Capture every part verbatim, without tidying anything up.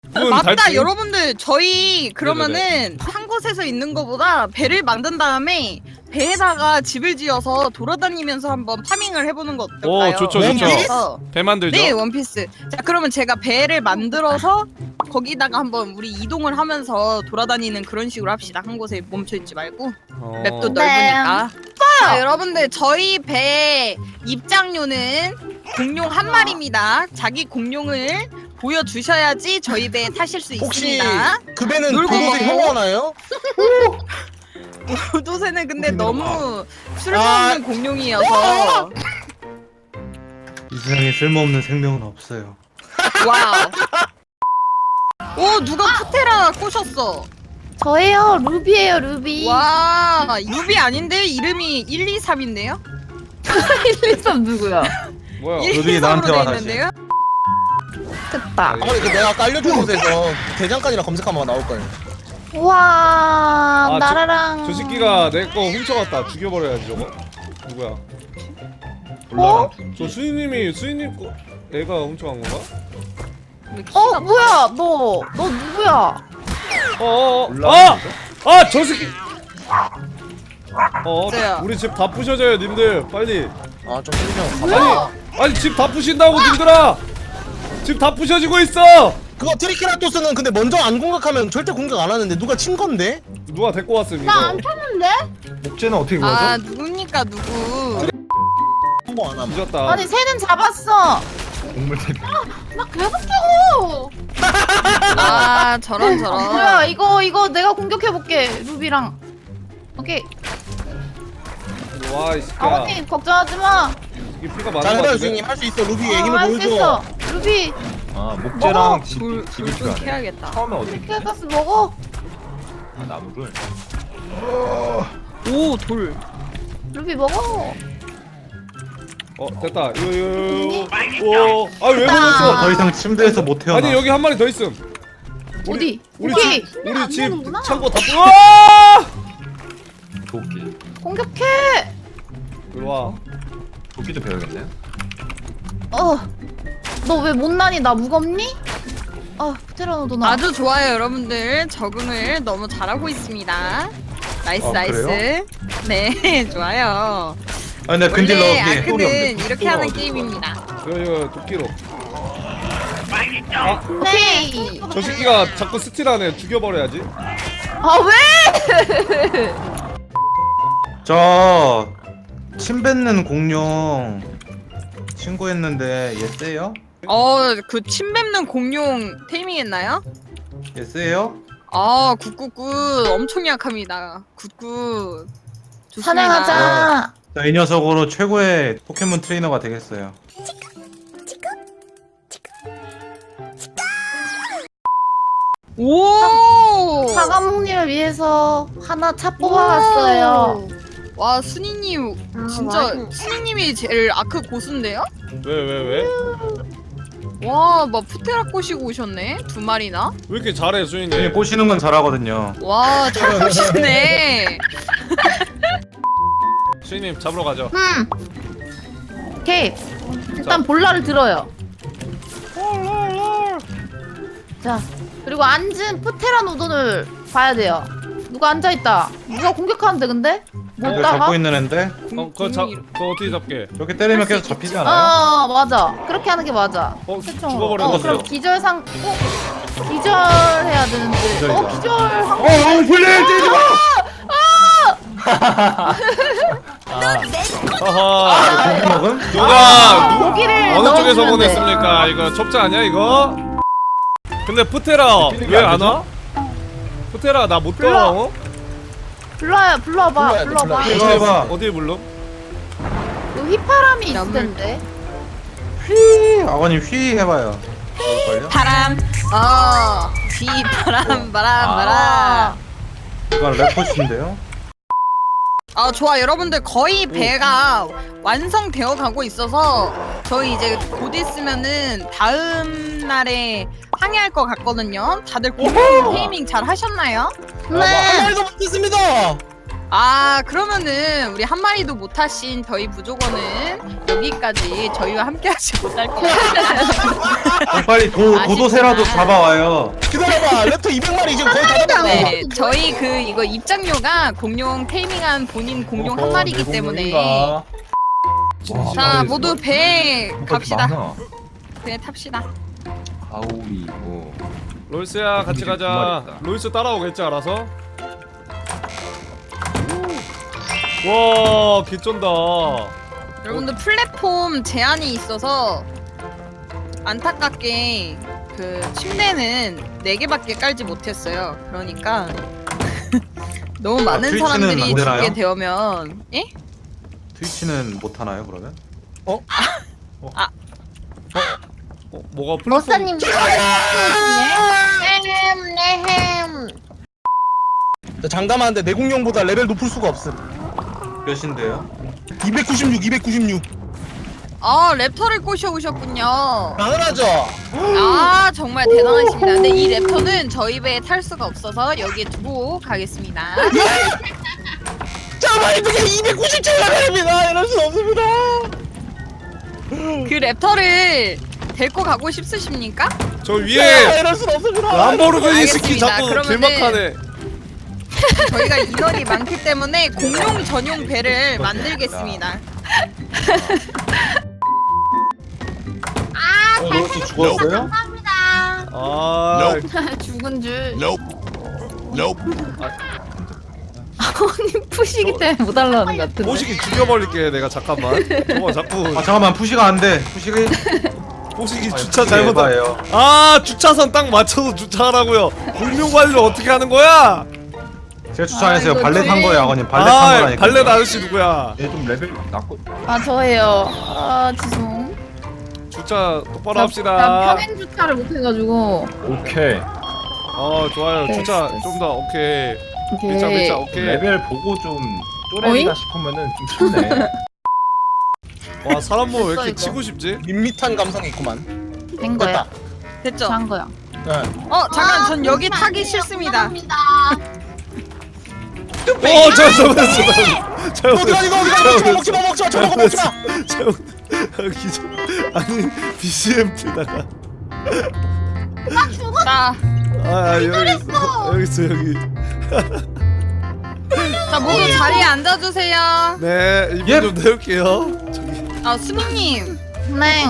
맞다 달팽이? 여러분들 저희 그러면은 네네네. 한 곳에서 있는 거보다 배를 만든 다음에 배에다가 집을 지어서 돌아다니면서 한번 파밍을 해보는 거 어떨까요? 오, 좋죠, 좋죠. 그래서- 배 만들죠. 네 원피스. 자 그러면 제가 배를 만들어서 거기다가 한번 우리 이동을 하면서 돌아다니는 그런 식으로 합시다. 한 곳에 멈춰있지 말고 어. 맵도 네. 넓으니까. 자 여러분들 저희 배 입장료는 공룡 한 마리입니다. 자기 공룡을 보여주셔야지 저희 배에 타실 수 혹시 있습니다. 그 배는 놀고 도도새 먹고. 형하나요? 도도새는 근데 웃기는 너무 아. 쓸모없는 공룡이어서 이 세상에 쓸모없는 생명은 없어요. 와우. 오 누가 푸테라 꼬셨어. 저예요. 루비예요. 루비. 와 루비 아닌데 이름이 일, 이, 삼인데요? 일, 이, 삼 누구야? 뭐야? 일, 루비 이, 나한테 삼으로 와, 돼 다시. 있는데요? 됐다. 아니 그 내가 아까 알려준 곳에서 대장간이랑 검색하면 나올 거예요. 와 아, 저- 나라랑. 저 새끼가 내 거 훔쳐갔다. 죽여버려야지 저거. 누구야? 어? 저 수인님이 수인님 거 애가 훔쳐간 건가? 왜 키가 어 뭐야 너? 너 누구야? 어어어. 올라가는 아! 아, 저 새끼. 어, 맞아요. 우리 집 다 부셔져요, 님들. 빨리. 아좀 틀리면 뭐야? 아니, 집 다 부신다고, 님들아. 집 다 부셔지고 있어. 그거 트리케라토스는 근데 먼저 안 공격하면 절대 공격 안 하는데 누가 친 건데? 누가 데리고 왔음 이거? 나 안 탔는데? 목재는 어떻게 아 구하죠? 누굽니까 누구? 한번 안 하면. 뒤졌다. 아니 새는 잡았어. 동물 대비. 나 계속 죽어. 아 저런 아, 저런. 뭐야 이거 이거 내가 공격해 볼게 루비랑. 오케이. 와, 이 새끼야. 아버님 걱정하지 마. 이게 피가 많은 거 잘해요 같은데? 주인님 할 수 있어 루비의 어, 힘을 할 수 보여줘. 있어. 루비 아 먹어. 목재랑 집, 돌, 집이 돌 좀 필요하네. 캐야겠다. 처음에 어디 케가스 먹어. 아, 나무를. 오 돌. 루비 먹어. 어, 됐다. 이거 이거 이거. 오, 아, 왜 됐다. 먹었어? 더 이상 침대에서 못 태어나. 아니, 여기 한 마리 더 있음. 어디? 우리 오케이. 집 우리 안 집 되는구나. 창고 다 부어. 와! 도끼. 공격해. 이리 와. 도끼도 배워야겠네. 어. 너 왜 못나니? 나 무겁니? 아, 프테라노도 나. 아주 좋아요 여러분들 적응을 너무 잘하고 있습니다. 나이스 아, 나이스. 그래요? 네 좋아요. 아 근데 근딜러 원래 없기. 아크는 이렇게 하는 게임입니다. 이거 이거 도끼로. 네. 저 새끼가 자꾸 스틸하네. 죽여버려야지. 아, 왜? 저침 뱉는 공룡 신고했는데 얘 세요? 어그 침 뱉는 공룡 테이밍했나요? 얘 세요? 아 굿굿굿 엄청 약합니다. 굿굿. 좋습니다. 사냥하자. 자, 이 녀석으로 최고의 포켓몬 트레이너가 되겠어요. 오. 사과목님을 위해서 하나 차 뽑아왔어요. 와 순이님 진짜 순이님이 제일 아크 고수인데요? 왜 왜 왜? 와 막 푸테라 꼬시고 오셨네 두 마리나. 왜 이렇게 잘해 얘 수인님? 꼬시는 건 잘하거든요. 와 잘 꼬시네. 수인님 잡으러 가죠. 음. 오케이. 일단 볼라를 들어요. 자, 그리고 앉은 프테라노돈을 봐야 돼요. 누가 앉아있다. 누가 공격하는데 근데? 못 이거 따가? 잡고 있는 앤데 어, 그거 잡 그거 어떻게 잡게? 이렇게 때리면 계속 잡히지 않아요? 어, 맞아. 그렇게 하는 게 맞아. 어, 최종으로. 죽어버렸어. 어, 그럼 기절상, 어? 기절해야 되는데. 기절이다. 어, 기절한 거. 어, 어, 불려 때리지 마! 하하. 고기 먹음? 누가 누, 고기를 어느 쪽에서 넣어주면 돼. 보냈습니까? 이거 첩자 아니야 이거? 근데 푸테라 필름이 왜 안 안 와? 푸테라 나 못 불러. 가. 어? 불러요, 불러봐. 불러야 돼, 불러봐. 불러야 이거 해봐. 어디 불러? 그 휘파람이 있을 나물. 텐데. 휘! 아버님 휘 해봐요. 걸려? 바람. 어. 비 바람 바람 바람. 아, 이건 래퍼신데요? 아 좋아 여러분들 거의 배가 완성되어 가고 있어서 저희 이제 곧 있으면은 다음 날에 항해할 것 같거든요. 다들 공룡 테이밍 잘 하셨나요? 아, 뭐 네. 한 마리도 못했습니다. 아 그러면은 우리 한 마리도 못 타신 저희 부족원은 여기까지 저희와 함께하지 못할 것 같아요. 어, 빨리 도, 아쉽다. 도도새라도 잡아와요. 기다려봐. 랩터 이백 마리 지금 거의 다 잡았어. 네, 저희 그 이거 입장료가 공룡 테이밍한 본인 공룡 한 마리이기 때문에 자 모두 배 갑시다. 배 탑시다. 가오리 뭐 롤스야 같이 두 가자. 마리다. 롤스 따라오겠지 알아서. 와 개쩐다. 여러분들 플랫폼 제한이 있어서 안타깝게 그 침대는 네 개밖에 깔지 못했어요. 그러니까 너무 많은 트위치는 사람들이 안 되나요? 죽게 되면 예? 트위치는 못 하나요 그러면? 어 뭐가 플랫폼? 머사님. 네햄. 나 장담하는데 내 공룡보다 레벨 높을 수가 없음. 몇인데요? 이백구십육, 이백구십육. 아 랩터를 꼬셔오셨군요. 당연하죠. 아 정말 대단하십니다. 근데 이 랩터는 저희 배에 탈 수가 없어서 여기에 두고 가겠습니다. 잠깐만 이게 이백구십칠 레벨입니다. 이럴 수 없습니다. 그 랩터를 데리고 가고 싶으십니까? 저 야, 위에 이럴 수 없습니다. 람보르기니 스키 알겠습니다. 자꾸 그러면은- 길막하네. 저희가 인원이 많기 때문에 공룡 전용 배를 만들겠습니다. 어, 로스 죽었어요? 아 죽은 줄. 아버님 푸시기 때문에 못 올라오는 것 같은데. 뽀시기 죽여버릴게 내가. 잠깐만. 어 자꾸 아 잠깐만 푸시가 안돼. 푸시가 뽀시기 주차 잘못한. 해봐요. 아 주차선 딱 맞춰서 주차하라고요. 공룡 관리를 어떻게 하는 거야? 제가 주차했어요. 아, 이거 발레 탄 왜- 거예요 아버님. 발레 탄 아 거라니까. 발레 아저씨 누구야? 얘좀 레벨 낮고 아 저예요. 아 죄송. 주차 똑바로 나 합시다. 평행 주차를 못 해가지고. 오케이 어 좋아요. 됐어, 주차 됐어. 좀 더 오케이. 오케이. 미차 미차 오케이. 레벨 보고 좀 어잉? 쪼렙이다 싶으면은 좀 쉽네. 와 사람 몸 왜 됐어, 이렇게 이거. 치고 싶지? 밋밋한 감성이 있구만. 된 거야. 됐죠? 한 거야. 네. 어 잠깐 전 여기 타기 싫습니다. 어 잘못했어. 잘못했어. 어디가 이거 어디가 먹지 마 먹지 마 먹지 마 저거 먹지 마. 잘못. 기절. 아니 비씨엠 틀다가. 자, 아 여기 있어. 여기 있어 여기. 자 모두 자리에 앉아주세요. 네 이분 예. 좀 내올게요. 저기. 아 수민님. 네.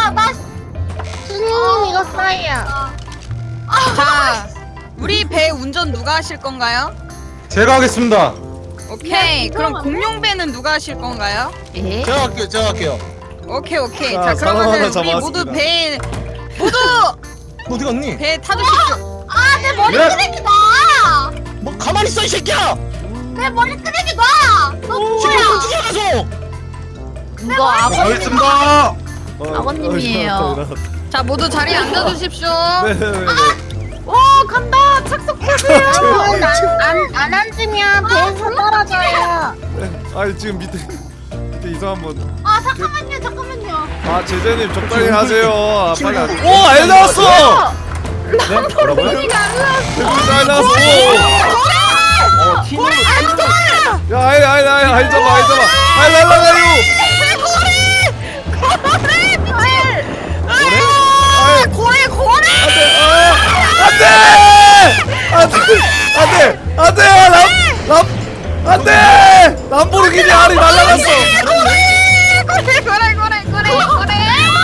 수님 이거 싸이야. 자, 우리 배 운전 누가 하실 건가요? 제가 하겠습니다. 오케이. 그럼 공룡 배는 누가 하실 건가요? 예. 제가 할게요. 제가 할게요. 오케이 오케이. 자, 자 사람 그러면 하나 우리 잡아왔습니다. 모두 배 모두 너 어디 갔니? 배 타주십시오. 아내 머리 예. 끄레기 놔. 뭐 가만히 있어 이 새끼야. 내 머리 끄레기 놔. 너 지금 뭐야? 움직여가서. 이거 아버 가겠습니다. 어, 아버님이에요. 어, 일어났다, 일어났다. 자 모두 자리에 앉아주십시오. 네네네. 와 간다. 착석하세요. 안안 앉으면 배에서 떨어져요. 아니 지금 밑에 밑에 이상한 분. 아 잠깐만요 잠깐만요. 아 제재님 적당히 하세요. 아, 빨리. 안- 친구. 오, 알 나왔어. 네? 뭐라고요? 알 나왔어. 어 팀으로 오. 야, 아이, 아이, 아이, 아이 잡아, 아이 잡아. 아이 날라가요. 고래 고래. 안돼, 안돼, 안돼, 안돼, 람, 람, 안돼. 람보르기니 알이 날라갔어. 고래 고래 고래 고래 고래.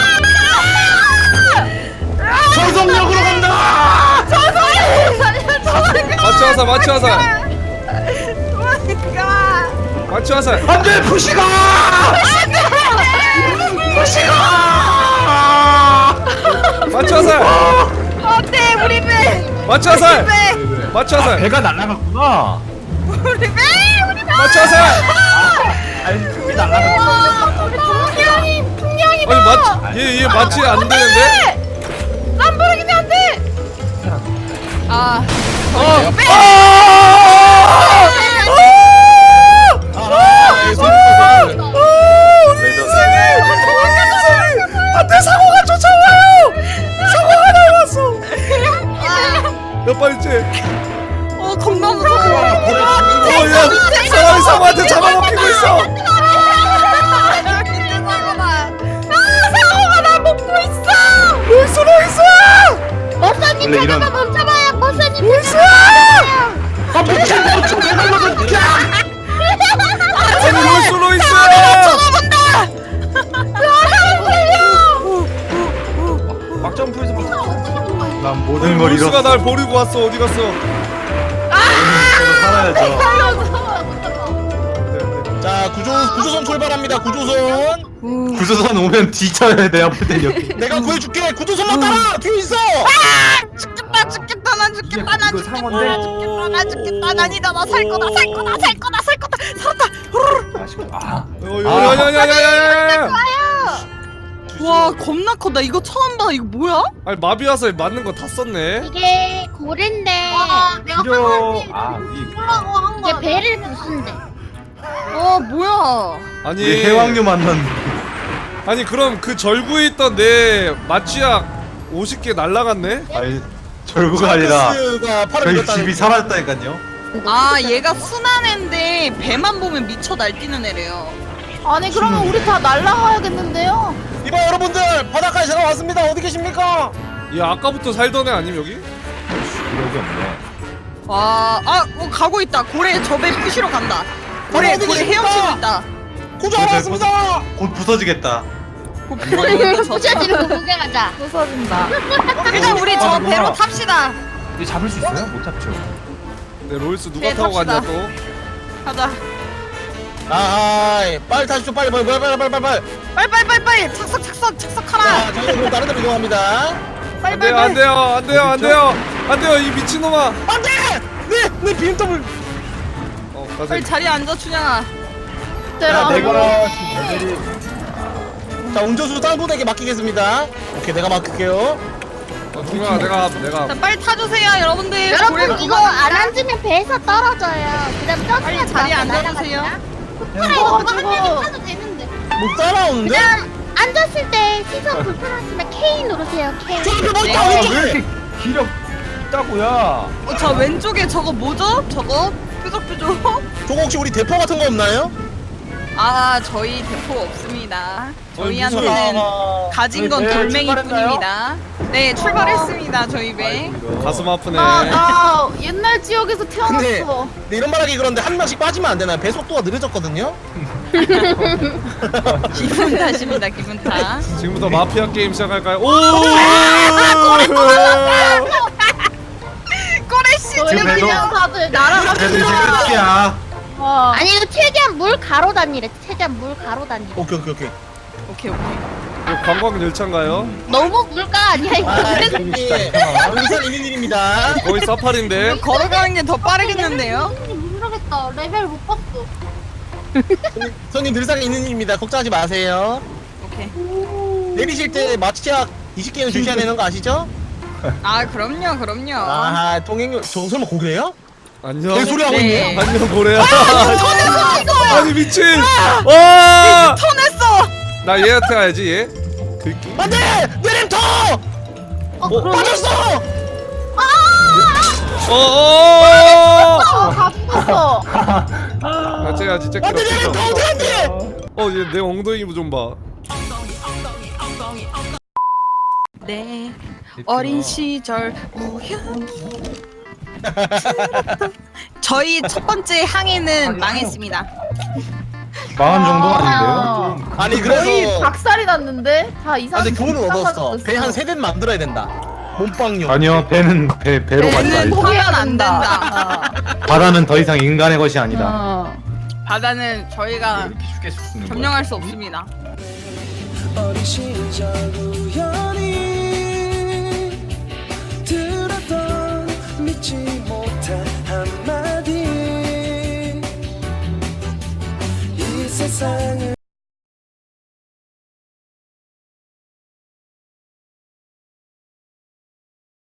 전속력으로 간다. 마취 화살, 마취 화살, 도망가. 마취 화살. 안돼 푸시가. 마취 화살, 어때 우리 배? 마취 화살, 배 마취 화살, 배가 날아갔구나. 우리 배 우리 배. 마취 화살. 아니 틈이 날아갔구나. 우리 분명히 분명히 아니 마취, 얘, 얘 마취 안 되는데? 람보르기니 안 돼. 아. 어, 아, 예, 손, 손, 손. 안돼 사고가 쫓아와요. 사고가 나왔어. 몇 발째? 어 어 겁나 무서워. 어야 사람이 상어한테 잡아먹히고 있어. 밑에 사고다. 아 사고가 나 먹고 있어. 올 수도 있어. 머사님 원래 이런- 잠깐만 멈춰봐요. 머사님 잠깐만. 아 미친 멈춰 내가 이거 아니 올 수도 있어. 막점프에서 막 난 모든 걸 롤수가 잃었어. 날 버리고 왔어. 어디 갔어? 저도 살아야죠. 자 구조 구조선 출발합니다. 구조선. 구조선 오면 뒤쳐야 돼. 아플 땐 여기. 내가 구해줄게. 구조선만 따라. 뒤에 있어. 죽겠다 죽겠다 난 죽겠다 난 이거 죽겠다 상어인데? 난 죽겠다 난 죽겠다 난 아니다 나 살 거다 살 거다 살 거다 살 거다 살았다. 아 어, 야야야야야야야. 와 겁나 커. 나 이거 처음 봐. 이거 뭐야? 아니 마비화살 맞는 거 다 썼네. 이게 고래인데 내가 필요 아 이. 하려고 한 거. 이게 배를 부순대. 어 뭐야? 아니 우리 해왕류 만났는데. 아니 그럼 그 절구에 있던 내 마취약 오십 개 날라갔네? 아니 절구가 아니라 가 팔을 저희 밀었다는 집이 사라졌다니까요. 아 얘가 순한 애인데 배만 보면 미쳐 날뛰는 애래요. 아니 그러면 우리 다 날라가야겠는데요? 이봐 여러분들 바닷가에 제가 왔습니다. 어디 계십니까? 야 아까부터 살던 애 아님 여기? 여기 없네. 와, 아, 어, 가고 있다. 고래 저배 부시러 간다. 고래, 어디 고래 계십니까? 헤엄치고 있다. 구조하러 왔습니다. 곧 부서지겠다. 곧 부서지겠다, 저. 부셔지는 거 구경하자. 부서진다. 일단 우리 저 하는구나. 배로 탑시다. 이거 잡을 수 있어요? 못 잡죠. 네 롤스 누가 네, 타고 탑시다. 갔냐 또? 가자. 아 빨리 타십시오. 빨리 빨리 빨리 빨리 빨리 빨리. 빨리, 빨리, 빨리, 빨리. 착석, 착석, 착석하라. 자 저희는 그럼 다른 데로 이동합니다. 빨리, 안 빨리, 돼요 안 빨리. 돼요 안 돼요 안 돼요 안 돼요 이 미친놈아. 안돼. 네네 비엠더블. 어 빨리 가세요. 자리에 앉아, 춘향아. 야, 내가 내가 레벨이 자 운전수 딴 분에게 맡기겠습니다. 오케이 내가 맡길게요. 어, 중요하 내가 내가 자, 빨리 타주세요, 여러분들. 여러분 고래가 이거 누가- 안 앉으면 배에서 떨어져요. 그다음 점프해서 빨리 자리에 나가요. 앉아주세요. 그래 이거 한 명이 타도 되는데. 못 따라오는데? 그냥 앉았을 때 시선 불편하시면 K 누르세요. K. 저 앞에 뭐 네. 있다 아, 왜 왼쪽에. 이렇게 기력 있다고야? 어, 저 왼쪽에 저거 뭐죠? 저거? 뾰족뾰족? 저거 혹시 우리 대포 같은 거 없나요? 아, 저희 대포 없습니다. 저희한테는 아, 가진 건 네, 돌멩이뿐입니다. 네, 출발했습니다, 저희 배. 가슴 아프네. 아, 나 옛날 지역에서 태어났어. 근데, 근데 이런 말하기 그런데 한 명씩 빠지면 안 되나요? 배 속도가 느려졌거든요? 기분 탓입니다, 기분 탓. 지금부터 마피아 게임 시작할까요? 오! 꼬레씨, 저희 지금 배도- 그냥 다들 그래도 이제 날아갑니다. 끝이야. 와. 아니 이거 최대한 물 가로 다니래. 최대한 물 가로 다니. 오케이 오케이 오케이. 오케이, 오케이. 이거 관광 열차인가요? 너무 물가 아니야 이거. 아 이게 의산 있는 일입니다. 거의 사파리인데. 걸어가는 게 더 빠르겠는데요? 모르겠다. 레벨 못 봤어. 손님 늘상 있는 일입니다. 걱정하지 마세요. 오케이. 내리실 때 마취약 이십 개는 주셔야 되는 거 아시죠? 아, 그럼요, 그럼요. 아 통행료 저 설마 고래요? 안녕. 개소리 하고 네. 있네요. 안녕 고래야. 터냈어, 이거야! 아니 미친. 와! 터냈어! 나 얘한테 가야지 얘. 긁기. 안돼 내림터 어 그럼 빠졌어. 어. 어. 어, 다 죽었어. 아, 쟤야 진짜 안돼 내림터 어디 안돼. 어, 얘 내 엉덩이 좀 봐. 네, 어린 시절 우연히 저희 첫 번째 항해는 망했습니다. 망한 정도 아닌데요? 아니 거의 그래서 박살이 났는데 다 이상. 아 근데 교훈을 얻었어. 배 한 세 대는 만들어야 된다. 몸빵용. 아니요, 배는 배 배로 배는 가지 말자. 포기하면 안 된다. 바다는 더 이상 인간의 것이 아니다. 어. 바다는 저희가 이렇게 쉽게 죽는 거야? 점령할 수 없습니다. 어린 시절 우연히 들었던 믿지 못한 한마디 이 세상을